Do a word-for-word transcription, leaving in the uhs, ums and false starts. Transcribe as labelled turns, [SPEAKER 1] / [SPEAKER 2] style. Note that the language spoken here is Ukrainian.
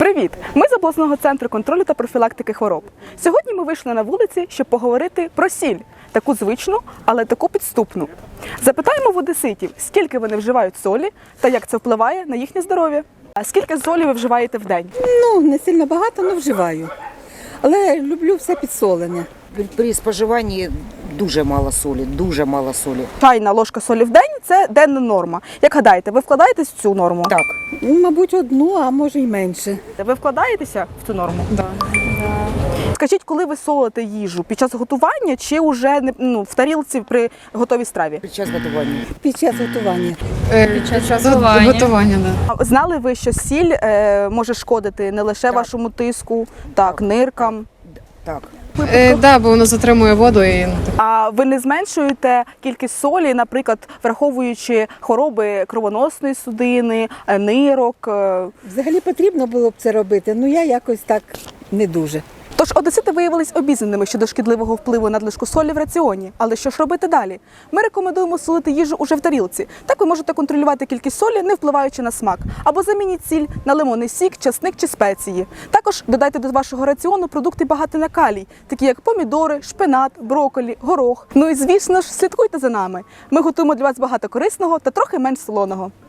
[SPEAKER 1] Привіт! Ми з обласного центру контролю та профілактики хвороб. Сьогодні ми вийшли на вулиці, щоб поговорити про сіль. Таку звичну, але таку підступну. Запитаємо в одеситів, скільки вони вживають солі та як це впливає на їхнє здоров'я. А скільки солі ви вживаєте в день?
[SPEAKER 2] Ну, не сильно багато, але вживаю. Але люблю все підсолене.
[SPEAKER 3] При споживанні дуже мало солі, дуже мало солі.
[SPEAKER 1] Чайна ложка солі в день – це денна норма. Як гадаєте, ви вкладаєтесь в цю норму?
[SPEAKER 3] Так.
[SPEAKER 2] Ну, мабуть, одну, а може й менше.
[SPEAKER 1] Ви вкладаєтеся в цю норму?
[SPEAKER 2] Да.
[SPEAKER 1] Скажіть, коли ви солите їжу? Під час готування чи вже ну, в тарілці при готовій страві?
[SPEAKER 3] Під час готування.
[SPEAKER 2] Під час готування.
[SPEAKER 4] Під час готування. готування да.
[SPEAKER 1] А знали ви, що сіль е, може шкодити не лише
[SPEAKER 3] Так.
[SPEAKER 1] вашому тиску, так, ниркам?
[SPEAKER 3] Так.
[SPEAKER 4] Е, да, бо воно затримує воду і
[SPEAKER 1] А ви не зменшуєте кількість солі, наприклад, враховуючи хвороби кровоносної судини, е, нирок? е?
[SPEAKER 2] Взагалі потрібно було б це робити, ну я якось так не дуже.
[SPEAKER 1] Тож одесити виявились обізнаними щодо шкідливого впливу надлишку солі в раціоні. Але що ж робити далі? Ми рекомендуємо солити їжу уже в тарілці. Так ви можете контролювати кількість солі, не впливаючи на смак. Або замініть сіль на лимонний сік, часник чи спеції. Також додайте до вашого раціону продукти багаті на калій, такі як помідори, шпинат, брокколі, горох. Ну і звісно ж, слідкуйте за нами. Ми готуємо для вас багато корисного та трохи менш солоного.